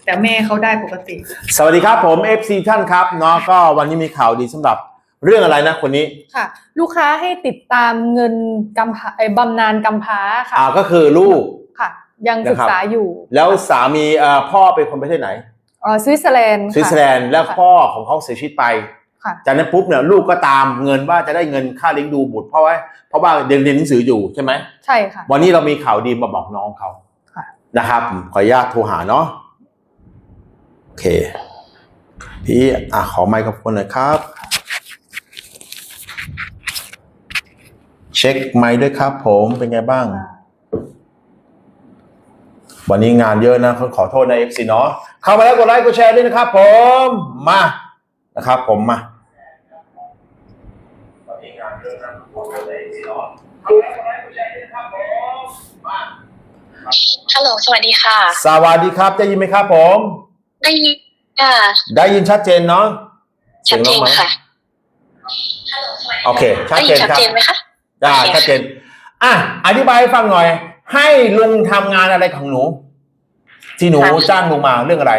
แต่แม่เขาได้ปกติสวัสดีครับผม FC ท่านครับเนาะก็วันนี้มีข่าวดีสำหรับเรื่องอะไรนะคนนี้ค่ะลูกค้าให้ติดตามเงินกำพร้าบำนาญกำพร้าค่ะก็คือลูกค่ะยังศึกษาอยู่แล้วสามีพ่อเป็นคนประเทศไหนสวิตเซอร์แลนด์แล้วพ่อของเขาเสียชีวิตไปจากนั้นปุ๊บเนี่ยลูกก็ตามเงินว่าจะได้เงินค่าเลี้ยงดูบุตรเพราะว่าเรียนหนังสืออยู่ใช่ไหมใช่ค่ะวันนี้เรามีข่าวดีมาบอกน้องเขานะครับขออนุญาตโทรหาเนาะโอเคพี่ขอไมค์กับคนหน่อยครับเช็คไมค์ด้วยครับผมเป็นไงบ้างวันนี้งานเยอะนะขอโทษนะ FC เนาะเข้ามาแล้วกดไลค์กดแชร์ด้วยนะครับผมมานะครับผมมาวันนี้งานเยอะนะขอโทษนะ FC เนาะเข้ามาแล้วกดไลค์กดแชร์ด้วยนะครับผมมาฮัลโหลสวัสดีค่ะสวัสดีครับได้ยินไหมครับผมได้ยินค่ะได้ยินชัดเจนเนาะชัดเจนค่ะโอเคชัดเจนครับชัดเจนไหมคะได้ชัดเจนอธิบายให้ฟังหน่อยให้ลุงทำงานอะไรของหนูที่หนูจ้างลุงมาเรื่องอะไร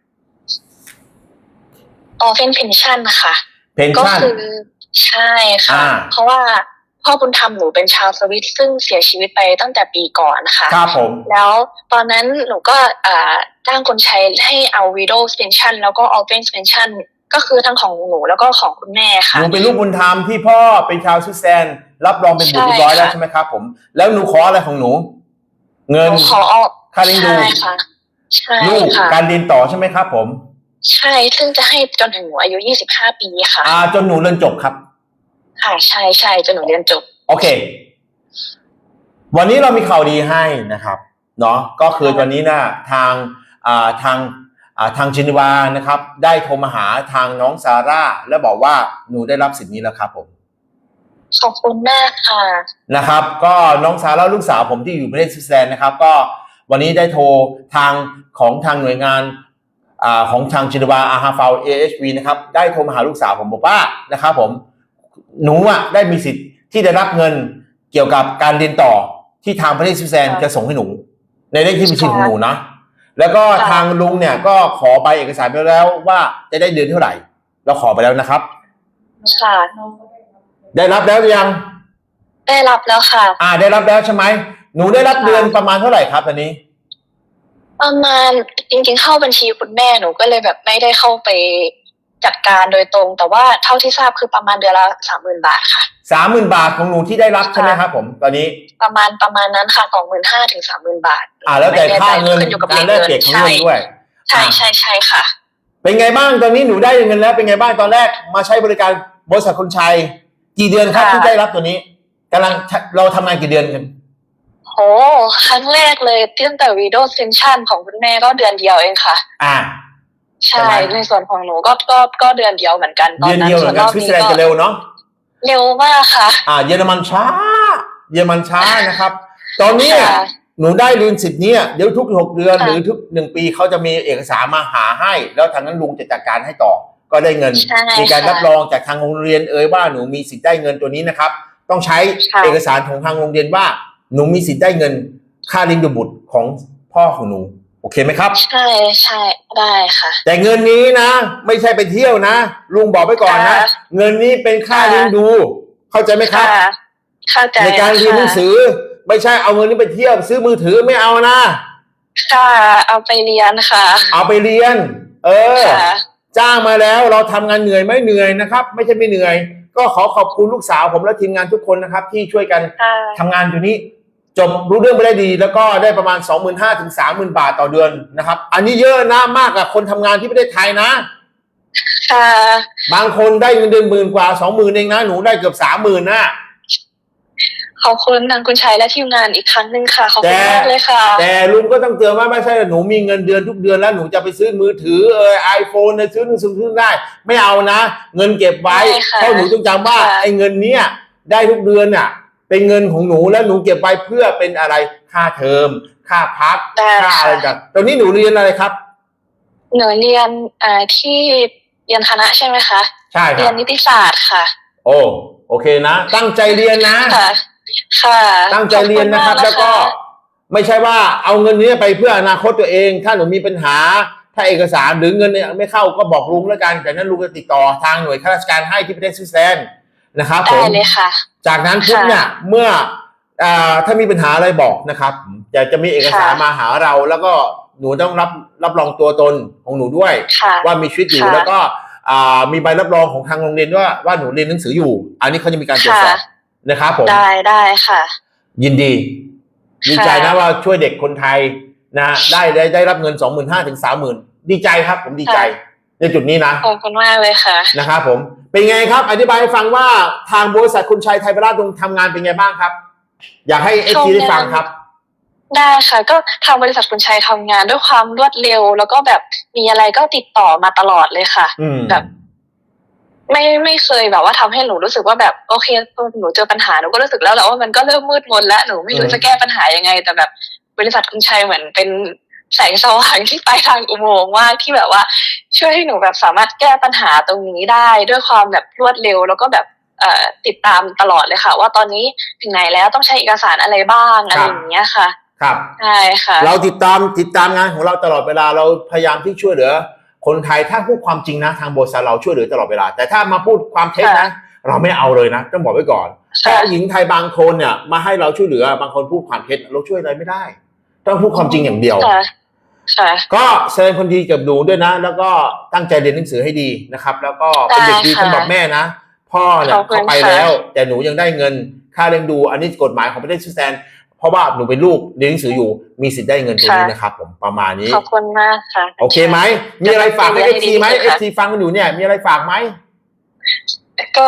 เป็นเพนชั่นค่ะเพนชั่นก็คือใช่ค่ะเพราะว่าพ่อบุญธรรมหนูเป็นชาวสวิตซึ่งเสียชีวิตไปตั้งแต่ปีก่อนค่ะครับผมแล้วตอนนั้นหนูก็จ้างคนใช้ให้เอา Widows Pension แล้วก็ Orphan Pension ก็คือทั้งของหนูแล้วก็ของคุณแม่ค่ะหนูเป็นลูกบุญธรรมที่พ่อเป็นชาวสวิตเซอร์แลนด์รับรองเป็นบุตรเรียบร้อยแล้วใช่ไหมครับผมแล้วหนูขออะไรของหนูเงินขอค่าเลี้ยงดูลูกการเรียนต่อใช่ไหมครับผมใช่ซึ่งจะให้จนถึงหนูอายุ25 ปีค่ะจนหนูเรียนจบครับค่ะใช่จนหนูเรียนจบโอเควันนี้เรามีข่าวดีให้นะครับเนาะก็คือตอนนี้นะทางจินวานะครับได้โทรมาหาทางน้องซาร่าและบอกว่าหนูได้รับสิทธิ์นี้แล้วครับผมขอบคุณมากค่ะนะครับก็น้องซาร่าลูกสาวผมที่อยู่ประเทศสวิตเซอร์แลนด์นะครับก็วันนี้ได้โทรทางหน่วยงานของทางจินวาอาฮาฟาว AHV นะครับได้โทรมาหาลูกสาวผมบอกว่านะครับผมหนูได้มีสิทธิ์ที่ได้รับเงินเกี่ยวกับการเรียนต่อที่ทางประเทศสวิตเซอร์แลนด์จะส่งให้หนูในเลขที่บัญชีของหนูนะแล้วก็ทางลุงเนี่ยก็ขอใบเอกสารไปแล้วว่าจะได้เดือนเท่าไหร่เราขอไปแล้วนะครับค่ะได้รับแล้วหรือยังได้รับแล้วค่ะได้รับแล้วใช่ไหมหนูได้รับเดือนประมาณเท่าไหร่ครับตอนนี้ประมาณจริงๆเข้าบัญชีคุณแม่หนูก็เลยแบบไม่ได้เข้าไปจัดการโดยตรงแต่ว่าเท่าที่ทราบคือประมาณเดือนละ 30,000 บาทค่ะ 30,000 บาทของหนูที่ได้รับใช่ไหมครับผมตอนนี้ประมาณนั้นค่ะ 25,000 ถึง 30,000 บาทแล้วแต่ค่าเงินการแลกเปลี่ยนของเงินด้วยใช่ค่ะเป็นไงบ้างตอนนี้หนูได้เงินแล้วเป็นไงบ้างตอนแรกมาใช้บริการบริษัทคนชัยกี่เดือนครับที่ได้รับตัวนี้กำลังเราทำงานกี่เดือนกันครั้งแรกเลยตั้งแต่ Widows Pension ของคุณแม่ก็เดือนเดียวเองค่ะใช่ในส่วนของหนูก็เดือนเดียวเหมือนกันตอนนั้นส่วนรอบนี้ก็เร็วเนาะเร็วมากค่ะเยอรมันช้านะครับตอนนี้หนูได้เรียนสิทธิ์นี้เดี๋ยวทุก6 เดือนหรือทุก1 ปีเขาจะมีเอกสารมาหาให้แล้วทางนั้นลุงจะจัดการให้ต่อก็ได้เงินมีการรับรองจากทางโรงเรียนว่าหนูมีสิทธิ์ได้เงินตัวนี้นะครับต้องใช้เอกสารของทางโรงเรียนว่าหนูมีสิทธิ์ได้เงินค่าเลี้ยงดูบุตรของพ่อของหนูโอเคไหมครับใช่ได้ค่ะแต่เงินนี้นะไม่ใช่ไปเที่ยวนะลุงบอกไปก่อนนะเงินนี้เป็นค่าเลี้ยงดูเข้าใจไหมครับเข้าใจในการเรียนหนังสือไม่ใช่เอาเงินนี้ไปเที่ยวซื้อมือถือไม่เอานะค่ะเอาไปเรียนค่ะเอาไปเรียนจ้างมาแล้วเราทำงานเหนื่อยไม่เหนื่อยนะครับไม่ใช่ไม่เหนื่อยก็ขอบคุณลูกสาวผมและทีมงานทุกคนนะครับที่ช่วยกันทำงานอยู่นี้จบรู้เรื่องไปได้ดีแล้วก็ได้ประมาณ 25,000 ถึง 30,000 บาทต่อเดือนนะครับอันนี้เยอะนะมากกว่าคนทำงานที่ประเทศไทยนะบางคนได้เงินเดือน10,000 กว่า 20,000 เองนะหนูได้เกือบ 30,000 นะขอบคุณทางคุณชัยและทีมงานอีกครั้งนึงค่ะขอบคุณมากเลยค่ะแต่ลุงก็ต้องเตือนว่าไม่ใช่หนูมีเงินเดือนทุกเดือนแล้วหนูจะไปซื้อมือถือiPhone ซื้อซื้อได้ไม่เอานะเงินเก็บไว้เพราะหนูต้องจำว่าไอ้เงินเนี้ยได้ทุกเดือนน่ะเป็นเงินของหนูแล้วหนูเก็บไว้เพื่อเป็นอะไรค่าเทอมค่าพักค่าอะไรต่างตอนนี้หนูเรียนอะไรครับหนูเรียนที่เรียนคณะใช่ไหมคะใช่เรียนนิติศาสตร์ค่ะโอเคนะตั้งใจเรียนนะค่ะตั้งใจเรียนนะครับแล้วก็ไม่ใช่ว่าเอาเงินนี้ไปเพื่ออนาคตตัวเองถ้าหนูมีปัญหาถ้าเอกสารหรือเงินเนี่ยไม่เข้าก็บอกลุงแล้วกันจากนั้นลุงจะติดต่อทางหน่วยข้าราชการให้ที่ประเทศสวิตเซอร์แลนด์นะครับผได้มเลยค่ะจากนั้นปุ๊บเนี่ยเมื่อถ้ามีปัญหาอะไรบอกนะครับจะมีเอกสารมาหาเราแล้วก็หนูต้องรับรองตัวตนของหนูด้วยค่ะว่ามีชีวิตอยู่ค่ะแล้วก็มีใบรับรองของทางโรงเรียนว่าหนูเรียนหนังสืออยู่ อันนี้เขาจะมีการตรวจสอบนะครับผมได้ค่ะยินดีดีใจนะว่าช่วยเด็กคนไทยนะได้รับเงิน 25,000 ถึง 30,000 ดีใจครับผมดีใจในจุดนี้นะขอบคุณมากเลยค่ะนะครับผมเป็นไงครับอธิบายให้ฟังว่าทางบริษัทคุณชัยไทยประราชทำงานเป็นไงบ้างครับ อยากให้เอจีได้ฟังครับได้ค่ะ ก็ทางบริษัทคุณชัยทำงานด้วยความรวดเร็ว แล้วก็แบบมีอะไรก็ติดต่อมาตลอดเลยค่ะ แบบไม่เคยแบบว่าทำให้หนูรู้สึกว่าแบบโอเคหนูเจอปัญหาหนูก็รู้สึกแล้วแหละว่ามันก็เริ่มมืดมนแล้วหนูไม่รู้จะแก้ปัญหายังไง แต่แบบบริษัทคุณชัยเหมือนเป็นแสงสว่างที่ปลายทางอุโมงค์ว่าที่แบบว่าช่วยให้หนูแบบสามารถแก้ปัญหาตรงนี้ได้ด้วยความแบบรวดเร็วแล้วก็แบบติดตามตลอดเลยค่ะ ว่าตอนนี้ถึงไหนแล้วต้องใช้เอกสารอะไรบ้างอะไรอย่างเงี้ยค่ะครับใช่ค่ะเราติดตามงานของเราตลอดเวลาเราพยายามที่ช่วยเหลือคนไทยถ้าพูดความจริงนะทางบริษัทเราช่วยเหลือตลอดเวลาแต่ถ้ามาพูดความเท็จนะเราไม่เอาเลยนะต้องบอกไว้ก่อนเพราะหญิงไทยบางคนเนี่ยมาให้เราช่วยเหลือบางคนพูดความเท็จเราช่วยอะไรไม่ได้ต้องพูดความจริงอย่างเดียวก็แสดงคนดีกับหนูด้วยนะแล้วก็ตั้งใจเรียนหนังสือให้ดีนะครับแล้วก็เป็นเด็กดีสำหรับแม่นะพ่อเนี่ยเขาไปแล้วแต่หนูยังได้เงินค่าเลี้ยงดูอันนี้กฎหมายของประเทศสวิตเซอร์แลนด์เพราะว่าหนูเป็นลูกเรียนหนังสืออยู่มีสิทธิ์ได้เงินตัวนี้นะครับผมประมาณนี้ขอบคุณมากค่ะโอเคไหมมีอะไรฝากให้ FT ไหม FT ฟังกันอยู่เนี่ยมีอะไรฝากไหมก็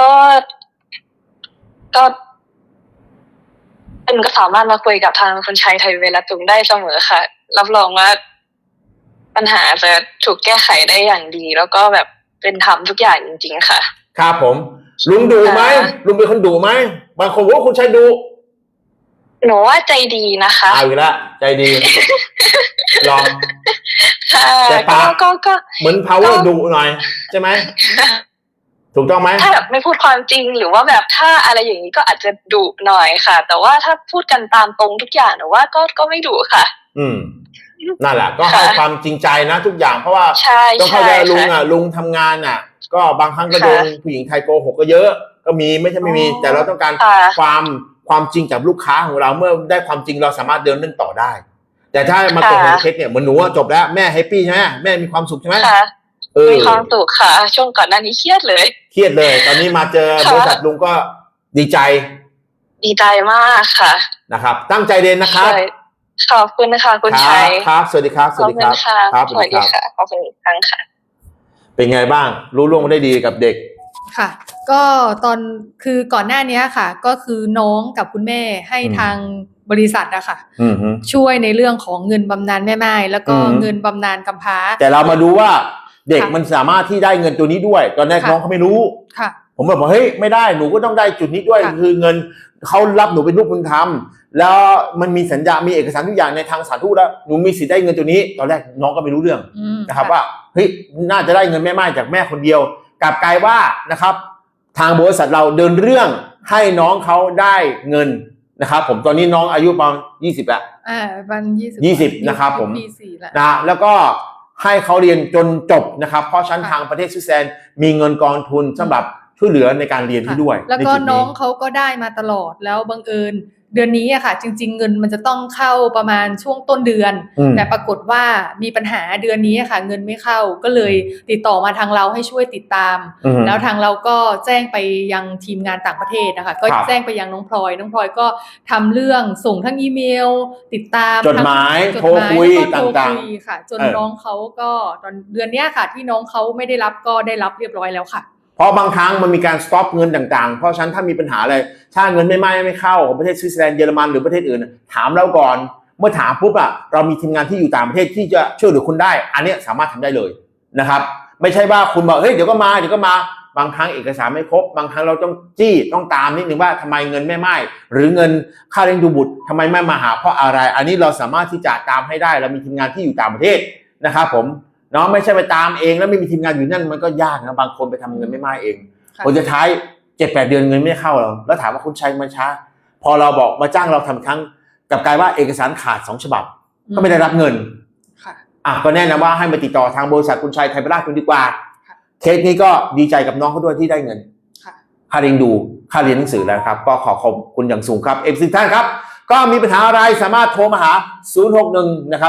เป็นก็สามารถมาคุยกับทางคุณชัยไทยเวลาตุงได้เสมอค่ะรับรองว่าปัญหาจะถูกแก้ไขได้อย่างดี แล้วก็แบบเป็นธรรมทุกอย่างจริงๆค่ะครับผมลุงดุไหมลุงเป็นคนดุไหมบางคนว่าคุณชัยดุหนูว่าใจดีนะคะเอาอีกแล้วใจดีลองแต่ปากก็เหมือน power ดุหน่อยใช่ไหมถูกต้องไหมถ้าแบบไม่พูดความจริงหรือว่าแบบถ้าอะไรอย่างนี้ก็อาจจะดุหน่อยค่ะแต่ว่าถ้าพูดกันตามตรงทุกอย่างหนูว่าก็ไม่ดุค่ะนั่นแหละก็ให้ความจริงใจนะทุกอย่างเพราะว่าต้องเข้าใจลุงทำงานอ่ะก็บางครั้งก็โดนผู้หญิงไทยโกหกก็เยอะก็มีไม่ใช่ไม่มีแต่เราต้องการความจริงจากลูกค้าของเราเมื่อได้ความจริงเราสามารถเดินเรื่องต่อได้แต่ถ้ามาโกหกเท็จเนี่ยเหมือนหนูจบแล้วแม่แฮปปี้ใช่ไหมแม่มีความสุขใช่ไหมมีความสุขค่ะช่วงก่อนหน้านี้เครียดเลยตอนนี้มาเจอบริษัทลุงก็ดีใจมากค่ะนะครับตั้งใจเรียนนะครับขอบคุณนะคะคุณชัยครับสวัสดีครับสวัสดีครับสวัสดีค่ะขอบคุณอีกครั้งค่ะเป็นไงบ้างรู้ล่วงได้ดีกับเด็กค่ะก็คือก่อนหน้านี้ค่ะก็คือน้องกับคุณแม่ให้ทางบริษัทอะค่ะช่วยในเรื่องของเงินบำนาญแม่ไม้แล้วก็เงินบำนาญกำพร้าแต่เรามาดูว่าเด็กมันสามารถที่ได้เงินตัวนี้ด้วยตอนแรกน้องเขาไม่รู้ผมบอกเฮ้ยไม่ได้หนูก็ต้องได้จุดนี้ด้วยคือเงินเขารับหนูเป็นลูกบุญธรรมแล้วมันมีสัญญามีเอกสารทุกอย่างในทางสถานทูตแล้วหนูมีสิทธิ์ได้เงินตัวนี้ตอนแรกน้องก็ไม่รู้เรื่องนะครับว่าเฮ้ยน่าจะได้เงินแม่ไม้จากแม่คนเดียวกลับกลายว่านะครับทางบริษัทเราเดินเรื่องให้น้องเขาได้เงินนะครับผมตอนนี้น้องอายุประมาณ20แล้วประมาณ 20นะครับผมนะแล้วก็ให้เขาเรียนจนจบนะครับเพราะชั้นทางประเทศสวิตเซอร์แลนด์มีเงินกองทุนสำหรับช่วยเหลือในการเรียนที่ด้วยแล้วก็น้องเขาก็ได้มาตลอดแล้วบังเอิญเดือนนี้อะค่ะจริงๆเงินมันจะต้องเข้าประมาณช่วงต้นเดือนแต่ปรากฏว่ามีปัญหาเดือนนี้อะค่ะเงินไม่เข้าก็เลยติดต่อมาทางเราให้ช่วยติดตามแล้วทางเราก็แจ้งไปยังทีมงานต่างประเทศนะคะก็แจ้งไปยังน้องพลอยก็ทำเรื่องส่งทั้งอีเมลติดตามจดหมายโทรคุยต่างๆค่ะจนน้องเขาก็ตอนเดือนนี้ค่ะที่น้องเขาไม่ได้รับก็ได้รับเรียบร้อยแล้วค่ะเพราะบางครั้งมันมีการสต็อปเงินต่างๆเพราะฉะนั้นถ้ามีปัญหาอะไรถ้าเงินไม่เข้าของประเทศสวิตเซอร์แลนด์เยอรมันหรือประเทศอื่นถามเราก่อนเมื่อถามปุ๊บเรามีทีมงานที่อยู่ต่างประเทศที่จะช่วยเหลือคุณได้อันนี้สามารถทำได้เลยนะครับไม่ใช่ว่าคุณบอกเฮ้ยเดี๋ยวก็มาบางครั้งเอกสารไม่ครบบางครั้งเราต้องต้องตามนิดนึงว่าทำไมเงินไม่หรือเงินค่าเลี้ยงดูบุตรทำไมไม่มาหาเพราะอะไรอันนี้เราสามารถที่จะตามให้ได้เรามีทีมงานที่อยู่ต่างประเทศนะครับผมเนาะไม่ใช่ไปตามเองแล้วไม่มีทีมงานอยู่นั่นมันก็ยากนะบางคนไปทำเงินไม่เองผลสุดท้าย 7-8 เดือนเงินไม่เข้าเราแล้วถามว่าคุณชัยมันช้าพอเราบอกมาจ้างเราทำครั้งกับกลายว่าเอกสารขาด2 ฉบับก็ไม่ได้รับเงินก็แนะนำว่าให้มาติดต่อทางบริษัทคุณชัยไทยประราชคุณดีกว่าค่ะเคสนี้ก็ดีใจกับน้องเขาด้วยที่ได้เงินค่ะค่าเรียนดูค่าเรียนหนังสือแล้วครับก็ขอบคุณอย่างสูงครับFCท่านครับก็มีปัญหาอะไรสามารถโทรมาหา 061 นะครับ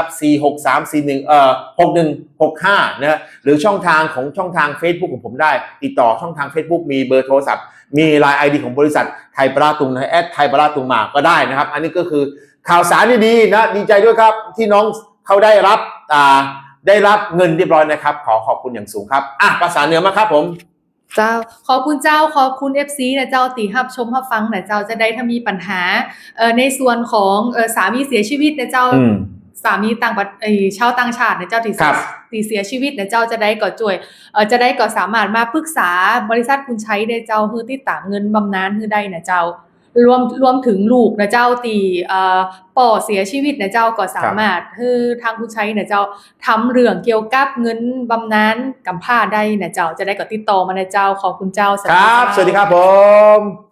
463416165 นะหรือช่องทาง Facebook ของผมได้ติดต่อช่องทาง Facebook มีเบอร์โทรศัพท์มี LINE ID ของบริษัทไทยประราชตุงนะไทยประราชตุงมาก็ได้นะครับอันนี้ก็คือข่าวสารดีๆนะดีใจด้วยครับที่น้องเขาได้รับเงินเรียบร้อยนะครับขอบคุณอย่างสูงครับภาษาเหนือมาครับผมเจ้าขอบคุณเจ้าขอบคุณ FC นะเจ้าตีรับชมรับฟังนะเจ้าจะได้ถ้ามีปัญหาในส่วนของสามีเสียชีวิตนะเจ้าสามีชาวต่างชาตินะเจ้าที่เสียชีวิตนะเจ้าจะได้ก่อจ่วยจะได้ก่อสามารถมาปรึกษาบริษัทคุณใช้ได้เจ้าคือติดตามเงินบำนาญคือได้นะเจ้ารวมถึงลูกนะเจ้าตีป่อเสียชีวิตนะเจ้าก็สามารถคือทางผู้ใช้นะเจ้าทำเรื่องเกี่ยวกับเงินบำนาญกำพร้าได้นะเจ้าจะได้ก็ติดต่อมานะเจ้าขอบคุณเจ้าครับสวัสดีครับผม